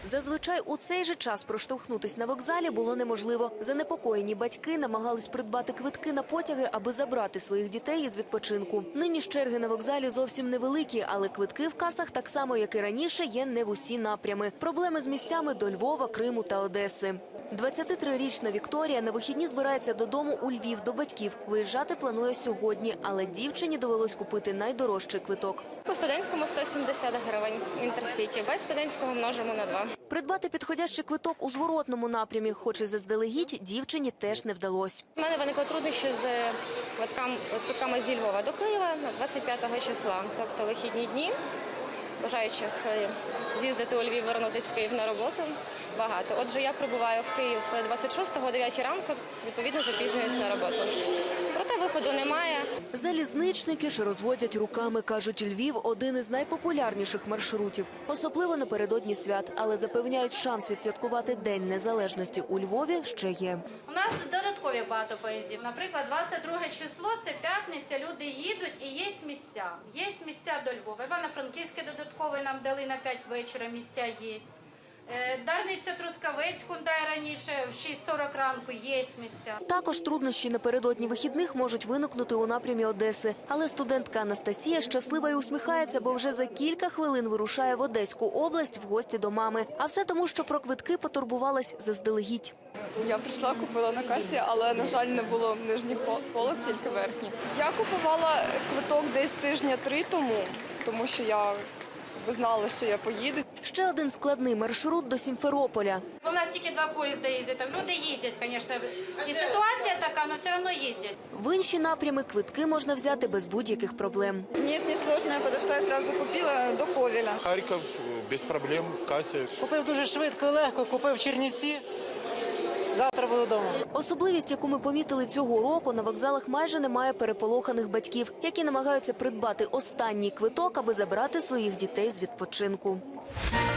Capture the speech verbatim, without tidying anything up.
Зазвичай у цей же час проштовхнутись на вокзалі було неможливо. Занепокоєні батьки намагались придбати квитки на потяги, аби забрати своїх дітей із відпочинку. Нині ж черги на вокзалі зовсім невеликі, але квитки в касах так само, як і раніше, є не в усі напрями. Проблеми з місцями до Львова, Криму та Одеси. двадцятитрирічна Вікторія на вихідні збирається додому у Львів до батьків. Виїжджати планує сьогодні, але дівчині довелось купити найдорожчий квиток. По студентському сто сімдесят гривень Інтерсіті, без студентського множимо на два. Придбати підходящий квиток у зворотному напрямі, хоч і заздалегідь, дівчині теж не вдалося. У мене виникли труднощі з квитками, з квитками зі Львова до Києва двадцять п'ятого числа, тобто вихідні дні. Бажаючих з'їздити у Львів, вернутися в Київ на роботу багато. Отже, я прибуваю в Київ двадцять шостого о дев'ятій ранку, відповідно запізнююсь на роботу. Проте виходу немає. Залізничники ж розводять руками, кажуть, Львів – один із найпопулярніших маршрутів, особливо напередодні свят, але запевняють, шанс відсвяткувати День Незалежності у Львові ще є. У нас додаткові багато поїздів. Наприклад, двадцять друге число – це п'ятниця, люди їдуть і є місця. Є місця до Львова. Івано-Франківське додаткове нам дали на п'ять вечора, місця є. Дарниця, Трускавець, Хундай раніше, в шість сорок ранку є місця. Також труднощі напередодні вихідних можуть виникнути у напрямі Одеси. Але студентка Анастасія щаслива і усміхається, бо вже за кілька хвилин вирушає в Одеську область в гості до мами. А все тому, що про квитки потурбувалась заздалегідь. Я прийшла, купила на касі, але, на жаль, не було нижніх полок, тільки верхні. Я купувала квиток десь тижня три тому, тому що я знала, що я поїду. Ще один складний маршрут до Сімферополя. У нас тільки два поїзди їздять. Люди їздять, звісно. І ситуація така, але все одно їздять. В інші напрями квитки можна взяти без будь-яких проблем. Ні, не сложно, я підійшла і одразу купила до Ковеля. Харків без проблем в касі. Купив дуже швидко і легко, купив Чернівці. Завтра буду вдома. Особливість, яку ми помітили цього року, на вокзалах майже немає переполоханих батьків, які намагаються придбати останній квиток, аби забрати своїх дітей з відпочинку.